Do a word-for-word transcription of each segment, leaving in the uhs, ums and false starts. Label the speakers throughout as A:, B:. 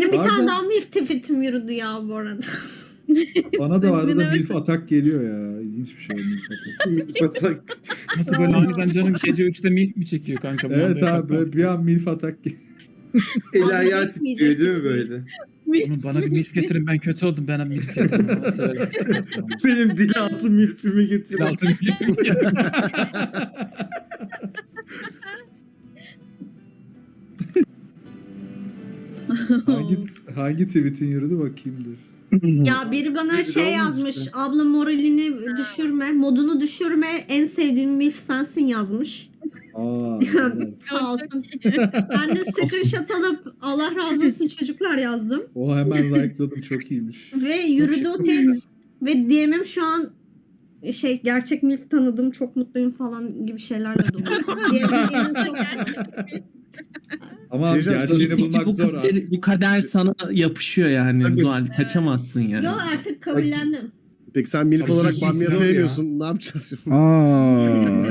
A: Benim bir
B: Bazen-
A: tane daha milf tweetim yürüdü ya bu arada.
B: Bana da arada
C: Senin
B: milf atak geliyor ya. İlginç bir şey milf atak.
D: Milf atak.
E: Nasıl böyle aniden canın gece üçte milf mi çekiyor kanka? Bir
B: Evet
E: anda
B: abi
E: yataktan?
B: böyle bir an milf atak geliyor.
D: El ayağı
A: Milf
D: titriyor değil mi
A: milf.
D: böyle?
E: Oğlum bana bir milf getirin, ben kötü oldum, bana milf getirin. Nasıl öyle?
D: Benim dil altı milfimi
E: Bir
D: getirin.
E: altın milfimi getirin.
B: hangi, hangi tweetin yürüdü bakayım dur.
A: Ya biri bana
D: Bir
A: şey
D: olmuş
A: yazmış.
D: işte.
A: Abla moralini düşürme, modunu düşürme. En sevdiğim milf sensin yazmış.
B: Aa, evet.
A: Sağ olsun. Ben de screenshot alıp Allah razı olsun çocuklar yazdım.
B: O hemen like'ladım, çok iyiymiş.
A: Ve yürüdü o tweet. Ve D M'im şu an şey gerçek milf tanıdım, çok mutluyum falan gibi şeylerle dolu. D M'im çok
B: Ama
D: Şey diyeceğim,
B: gerçeğini
F: Bu,
B: bulmak
F: bu,
B: zor
F: kader,
B: artık.
F: bu kader sana yapışıyor yani
D: Tabii.
F: Zuhal. Kaçamazsın yani.
A: Yo artık kabullendim.
G: Peki sen milf
B: Abi
G: olarak
B: iyi
G: Bamya
B: gidiyor ya.
G: sevmiyorsun. Ne yapacağız şimdi?
H: Aa.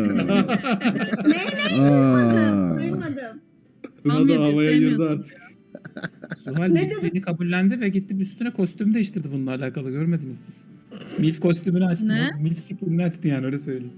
A: Ne
H: Aa.
A: duymadım.
B: Buna
C: Tam
B: da
C: yedi,
B: havaya girdi
C: sevmiyorsun.
B: artık.
E: Zuhal
A: Ne
E: milfliğini kabullendi ve gitti üstüne kostüm değiştirdi bununla alakalı, görmediniz siz. Milf kostümünü açtı.
C: Ne?
E: Milf skinini açtı yani, öyle söyleyeyim.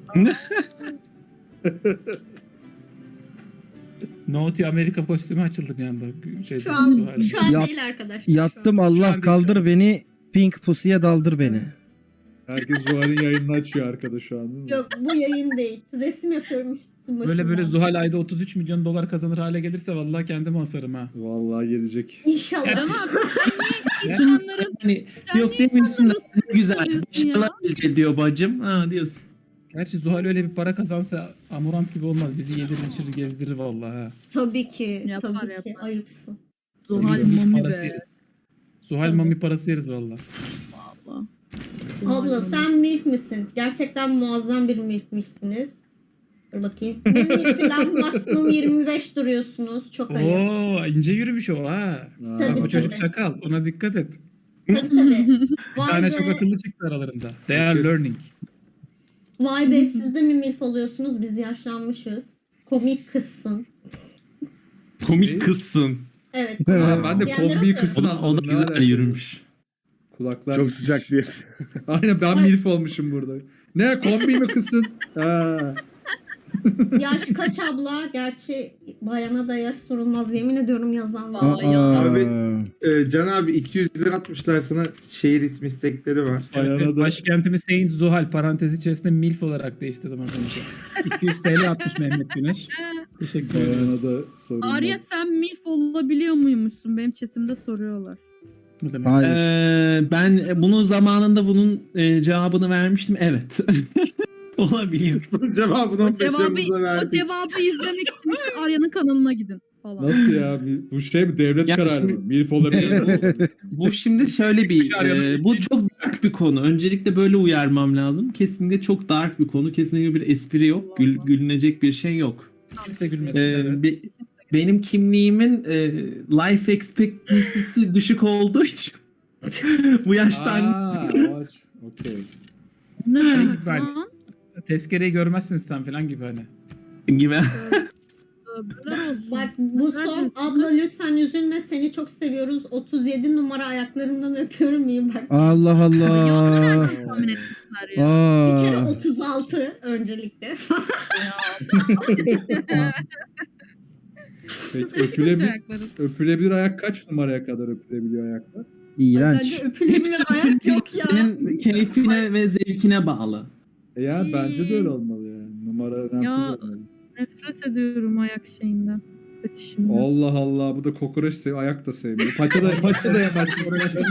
E: No to Amerika kostümü açıldı bir anda. Şeyde,
A: Şu an
E: Zuhal'in.
A: şu an
H: Yat-
A: değil arkadaşlar.
H: Yattım
E: Şu an
H: Allah
E: değil.
H: kaldır beni. Pink pusuya daldır beni.
B: Herkes Zuhal'in yayınını açıyor arkada şu an değil mi?
A: Yok bu yayın değil. Resim yapıyorum üstüm
E: Böyle böyle
A: başımdan.
E: Zuhal ayda otuz üç milyon dolar kazanır hale gelirse vallahi kendimi asarım ha.
B: Vallahi gelecek.
A: İnşallah.
E: Gerçi-
C: Ama sen niye insanların
F: Hani
C: Sen
F: yok
C: niye
F: demiyorsun da
C: insanları
F: ne güzel.
C: seviyorsun ya?
F: Başkalar elde ediyor bacım. Ha diyorsun.
E: Gerçi Zuhal öyle bir para kazansa Amurant gibi olmaz. Bizi yedirir içirir gezdirir vallahi ha.
A: Tabii ki.
C: Yapar,
A: tabii ki.
C: yapar.
A: Ayıpsın.
C: Zuhal
E: Milf
C: mami
E: parası
C: be.
E: yeriz. Zuhal mami parası yeriz vallahi.
A: Abla sen milf misin? Gerçekten muazzam bir milfmişsiniz. Dur bakayım. Bir milf'den maksimum yirmi beş duruyorsunuz. Çok ayıp.
E: Oo ince yürümüş o ha.
B: Aa,
E: Bak
A: Tabii,
E: o çocuk
A: tabii.
E: çakal. Ona dikkat et.
A: Tabii tabii.
E: Bir
A: Vay
E: tane
A: be.
E: çok akıllı çıktı aralarında. They are
B: Herkes-
E: learning.
A: Vay be siz de mi milf oluyorsunuz? Biz yaşlanmışız. Komik kızsın.
F: Komik kızsın.
A: Evet.
B: Aa, ben de
A: Diğerleri
B: kombiyi
A: oluyor.
F: O
B: kısmını
F: da, o da
B: anladım. Ne
F: güzel
B: alaka?
F: yürümüş.
B: Kulaklar
G: Çok
B: gitmiş.
G: sıcak diye.
B: Aynen ben
A: Ay.
B: milf olmuşum burada. Ne kombi mi kısın? Ha.
A: Yaş kaç abla? Gerçi bayana da yaş sorulmaz. Yemin ediyorum yazan var.
C: Aa, ya.
D: Abi, Ee, Can abi iki yüz lira atmışlar sana, şehir ismi istekleri var.
B: Ayağına
E: Evet,
B: da-
E: başkentimi Saint Zuhal parantez içerisinde milf olarak değiştirdim az önce. iki yüz T L atmış Mehmet Güneş. Teşekkür ederim.
B: Bayana da sorun.
C: Arya sen milf olabiliyor muymuşsun? Benim chatimde soruyorlar.
E: Ne demek?
H: Hayır.
F: Ee, ben bunun zamanında bunun e, cevabını vermiştim. Evet. Olabiliyor.
D: Cevabını
C: O
D: on beş
C: cevabı,
D: Temmuz'da
C: o
D: verdik.
C: cevabı izlemek için işte Arya'nın kanalına gidin falan.
B: Nasıl ya? Bu şey mi? Devlet
F: Ya
B: kararı
F: şimdi-
B: mı? Milf olabilir mi?
F: Bu şimdi şöyle bir e, bu çok dark bir konu. Öncelikle böyle uyarmam lazım. Kesinlikle çok dark bir konu. Kesinlikle bir espri yok. Gül, gülünecek bir şey yok.
E: Kimse gülmesin.
F: Ee,
E: evet.
F: be- benim kimliğimin e, life expectancy'si düşük olduğu için bu yaşta anne-
B: Aa, o aç. Okey.
C: Ne
E: Şey
C: demek
E: gibi ben-
C: lan?
E: Tezkereyi görmezsin sen falan gibi hani.
F: gibi.
C: Tövbeler olsun.
A: Bak bu son. Abla lütfen üzülme. Seni çok seviyoruz. otuz yedi numara ayaklarından öpüyorum. İyi bak.
H: Allah
C: Ya
H: Allah.
C: nereden tahmin etmişler ya?
A: Bir kere
H: Aa.
A: otuz altı öncelikle.
B: Peki,
C: Kız eşik
B: öpülebilir,
C: ayakları.
B: öpülebilir ayak kaç numaraya kadar öpülebiliyor ayaklar?
H: İğrenç.
A: Bence öpülebilir
F: Hepsi
A: ayak yok ya.
F: senin keyfine ve zevkine bağlı.
B: E ya bence de öyle olmalı yani. Numara önemsiz
C: Ya.
B: olmalı.
C: Nefret ediyorum ayak şeyinden. Fetişinden.
B: Allah Allah, bu da kokoreç seviyor, ayak da sevmiyor. Paça da, paça da yemezsin.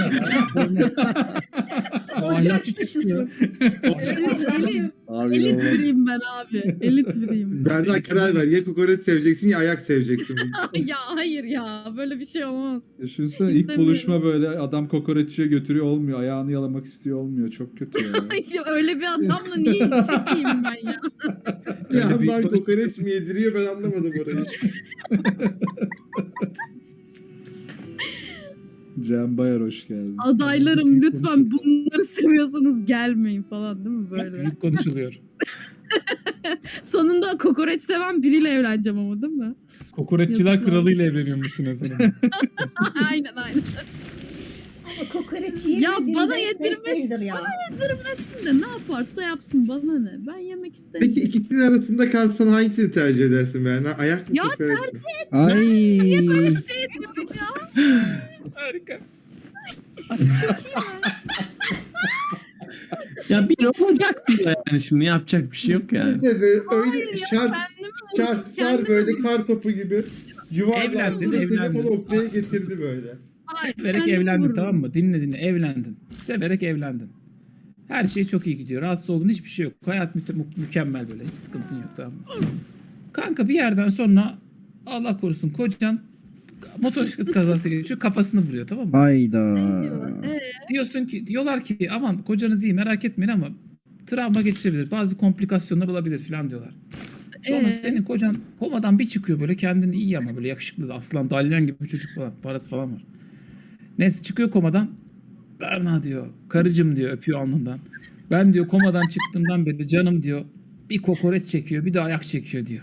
E: O
A: Çok
E: ahlakçı
A: haklısın.
E: çıkıyor.
A: Üzüldüm.
G: Abi
C: Elit
G: inanılmaz.
C: biriyim ben abi. Elit biriyim.
D: Berna karar ver. Ya kokoreç seveceksin ya ayak seveceksin.
C: ya hayır ya. Böyle bir şey olmaz.
B: Düşünsene ilk
C: İstemiyorum.
B: buluşma böyle adam kokoreççiye götürüyor olmuyor. Ayağını yalamak istiyor olmuyor. Çok kötü ya.
C: Ya öyle bir adamla niye çıkayım ben ya?
D: Bir
E: Öyle bir-
D: yandan kokoreç mi yediriyor, ben anlamadım orayı.
B: Cem Bayar hoş geldin.
C: Adaylarım lütfen bunları seviyorsanız gelmeyin falan değil mi
E: Böyle.
C: böyle?
E: Büyük konuşuluyor.
C: Sonunda kokoreç seven biriyle evleneceğim ama değil mi?
E: Kokoreççiler
C: Yazıklar.
E: kralıyla evleniyormuşsun mesela.
C: aynen aynen.
A: Ama kokoreç
C: Ya
A: yemediğinde
C: bana
A: zevk
C: yedirmez-
A: değildir ya.
C: Yedirmesin de ne yaparsa yapsın bana ne? Ben yemek istemiyorum.
D: Peki ikisinin arasında kalsan hangisini tercih edersin be? Yani ayak mı
C: Ya
D: kokoreç mi?
H: Ay.
E: Harika.
F: Ya bir olacak diyor yani şimdi yapacak bir şey yok yani.
D: Tabii öyle
C: ya,
D: şart,
C: kendimi
D: şartlar
C: kendimi
D: böyle kar topu gibi yuvarlandı
E: Evlendin,
D: ve seni
E: evlendin.
D: o noktaya getirdi böyle.
C: Hayır,
E: Severek
C: kendimi
E: evlendin
C: vururum.
E: tamam mı? Dinle dinle evlendin. Severek evlendin. Her şey çok iyi gidiyor. Rahatsız olduğun hiçbir şey yok. Hayat mü- mü- mükemmel böyle. Hiç sıkıntın yok tamam mı? Kanka bir yerden sonra Allah korusun kocan motosiklet kazası geçiyor kafasını vuruyor tamam mı?
H: Hayda.
C: Ee,
E: Diyorsun ki diyorlar ki aman kocanız iyi merak etmeyin ama travma geçirebilir. Bazı komplikasyonlar olabilir falan diyorlar. Sonra
C: Ee?
E: senin kocan komadan bir çıkıyor böyle kendini iyi ama böyle yakışıklı da aslan dalyan gibi bir çocuk falan. Parası falan var. Neyse çıkıyor komadan. Berna diyor. Karıcım diyor öpüyor alnından. Ben diyor komadan çıktığımdan beri canım diyor. Bir kokoreç çekiyor bir de ayak çekiyor diyor.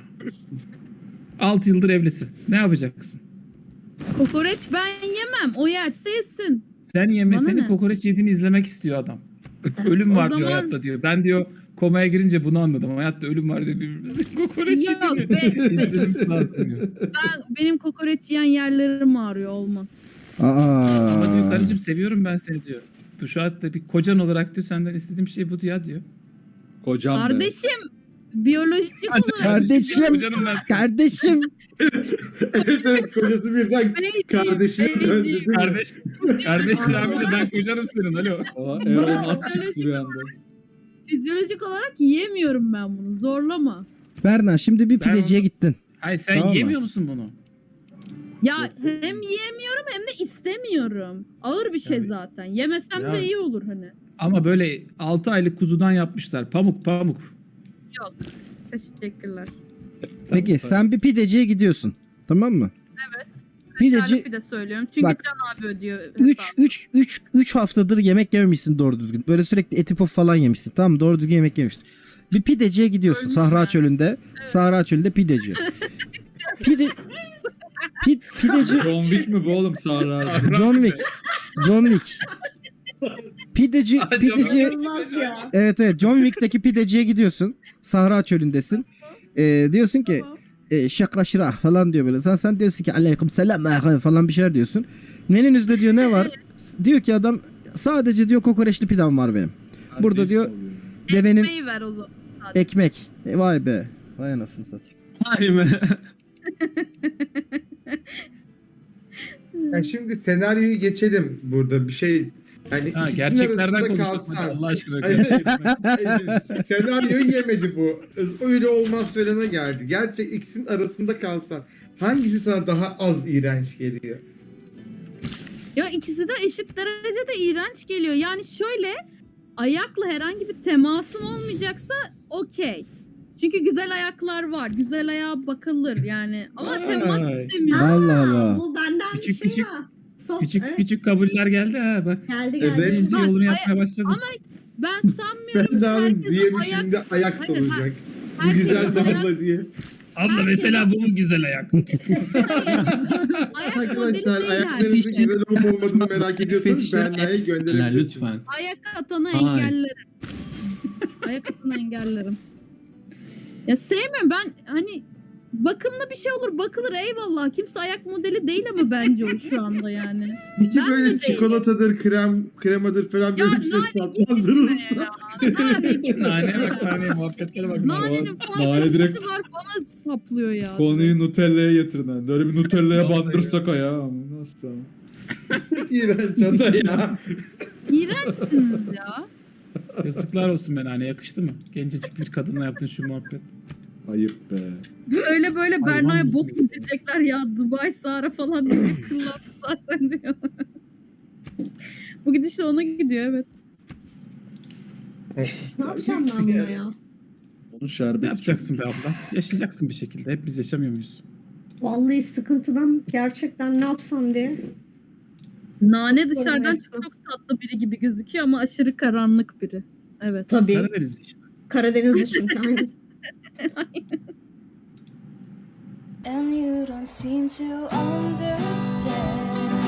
E: altı yıldır evlisin. Ne yapacaksın?
C: kokoreç ben yemem. O yerse yesin.
E: Sen yeme
C: Bana
E: seni
C: ne?
E: kokoreç yediğini izlemek istiyor adam. Ölüm
C: O
E: var diyor
C: zaman-
E: hayatta diyor. Ben diyor komaya girince bunu anladım. Hayatta ölüm var diyor birbirimizin kokoreç
C: Yok
E: yediğini.
C: be, be-
E: İzlememiz lazım diyor.
C: ben, benim kokoreç yiyen yerlerim ağrıyor olmaz.
H: Aa.
E: Ama diyor karıcığım seviyorum ben seni diyor. Bu şu hayatta bir kocan olarak diyor senden istediğim şey bu diyor diyor.
B: Kocam be.
C: Kardeşim biyolojik olarak
H: Kardeşim.
E: Kocanım ben.
H: Kardeşim.
D: Evet evet kocası birden
C: Beyci,
D: kardeşine
C: beyci.
D: döndü değil mi?
E: Kardeş, kardeş abi de ben kocanım senin alo.
B: Aa, Erol nasıl çıktı bir anda?
C: fizyolojik olarak yiyemiyorum ben bunu. Zorlama.
H: Berna şimdi bir
E: Ben
H: pideciye gittin.
E: Hayır sen
H: Tamam mı?
E: yemiyor musun bunu?
C: Ya hem yiyemiyorum hem de istemiyorum. Ağır bir şey
E: Yani-
C: zaten. Yemesem
E: Ya-
C: de iyi olur hani.
E: Ama böyle altı aylık kuzudan yapmışlar. Pamuk pamuk.
C: Teşekkürler.
H: Peki sen bir pideciye gidiyorsun. Tamam mı?
C: Evet.
H: Pideci
C: Tarifi de söylüyorum. Çünkü
H: Bak,
C: Can abi ödüyor.
H: üç
C: hesabı.
H: üç üç üç haftadır yemek yememişsin doğru düzgün. Böyle sürekli eti puf falan yemişsin. Tamam mı? Doğru düzgün yemek yemişsin. Bir pideciye gidiyorsun.
C: Ölmüş
H: Sahra
C: yani.
H: çölünde. Sahra çölünde pideci. Pide Pid, pideci
B: John Wick mi bu oğlum Sahra abi?
H: John Wick. John Wick. Pideci pideci
A: İnanılmaz ya.
H: evet evet John Wick'teki pideciye gidiyorsun. Sahra çölündesin. Ee, diyorsun ki
C: Tamam.
H: e, şakra şırah falan diyor böyle. Sen sen diyorsun ki aleyküm selam ah, falan bir şeyler diyorsun. Menünüzde diyor ne var? Diyor ki adam sadece diyor kokoreçli pidem var benim. Burada diyor devenin
C: Ekmeği ver o zaman.
H: ekmek. E, vay be. Vay anasını satayım.
F: Vay be.
D: Ya şimdi senaryoyu geçelim burada bir şey. Yani
E: Ha,
D: ikisinin
E: gerçeklerden
D: arasında
E: konuşalım hadi
D: kalsan.
E: Allah aşkına.
D: Hayır,
E: Gerçekten.
D: hayır, senaryoyu yemedi bu. Öyle olmaz falana geldi. Gerçek ikisinin arasında kalsan hangisi sana daha az iğrenç geliyor?
C: Ya ikisi de eşit derecede iğrenç geliyor. Yani şöyle ayakla herhangi bir temasım olmayacaksa okey. Çünkü güzel ayaklar var. Güzel ayağa bakılır yani. Ama
E: Vay.
C: temas istemiyorum.
H: Allah Allah.
A: Bu benden
E: Küçük
A: bir şey
E: küçük-
A: ya. Sof,
E: Küçük
A: evet,
E: küçük kabuller geldi ha bak.
A: geldi geldi.
D: Evet.
E: İnce
C: Bak,
E: yolunu
C: ay-
E: yapmaya başladı.
C: ama Ben sanmıyorum
D: Ben
C: ki
D: daha
C: herkesin
D: diğeri
C: ayak...
D: şimdi ayak
C: Hayır,
D: olacak. Bu
C: herkesin
D: güzel
C: ayak-
D: damla diye.
E: Abla
C: herkes-
E: mesela bu mu güzel ayak?
C: Ayak modeli
D: Arkadaşlar
C: değil
D: ayaklarınızın
C: herkes.
D: güzel olup olmadığını merak ediyorsanız
F: Fetişler
D: Berna'ya
F: etsinler
D: gönderebilirsiniz.
F: lütfen.
C: Ayak atanı
F: Hayır.
C: engellerim. Ayak atanı engellerim. Ya sevmiyorum ben hani bakımlı bir şey olur bakılır eyvallah. Kimse ayak modeli değil ama bence o şu anda yani.
D: Peki
C: Ben de
D: böyle
C: değilim.
D: çikolatadır, krem, kremadır falan
C: Ya
D: böyle bir şey
C: nane
D: tatmaz
C: gitme
D: mısın?
C: ya. Nane gitme
E: Nane
C: ya.
E: bak nane muhabbetlere bak.
C: Nanenin
B: Nane
C: fantezisi
B: direkt-
C: var bana saplıyor ya.
B: Konuyu Nutella'ya getirin. ha. Böyle bir Nutella'ya
E: Vallahi
B: bandırsak ayağı. Nasıl?
D: İğrenç ada ya.
C: İğrençsiniz ya.
E: Yazıklar olsun be nane yakıştı mı? Gencecik bir kadınla yaptığın şu muhabbet.
B: Ayıp be.
C: Böyle böyle
E: Hayvan
C: Berna'ya
E: mısın?
C: bok mu diyecekler ya Dubai Sahara falan diye kıllandı zaten diyor. Bu gidişle ona gidiyor evet.
A: Ne yapacağım ben buna ya?
B: Onun
E: Ne
B: şerbeti
E: yapacaksın be abla? Yaşayacaksın bir şekilde. Hep biz yaşamıyor muyuz?
A: Vallahi sıkıntıdan gerçekten ne yapsam diye.
C: Nane dışarıdan
A: Görünmez.
C: çok tatlı biri gibi gözüküyor ama aşırı karanlık biri. Evet.
A: Tabii.
E: Karadeniz işte.
A: Karadenizli çünkü. Aynen.
I: And you don't seem to understand.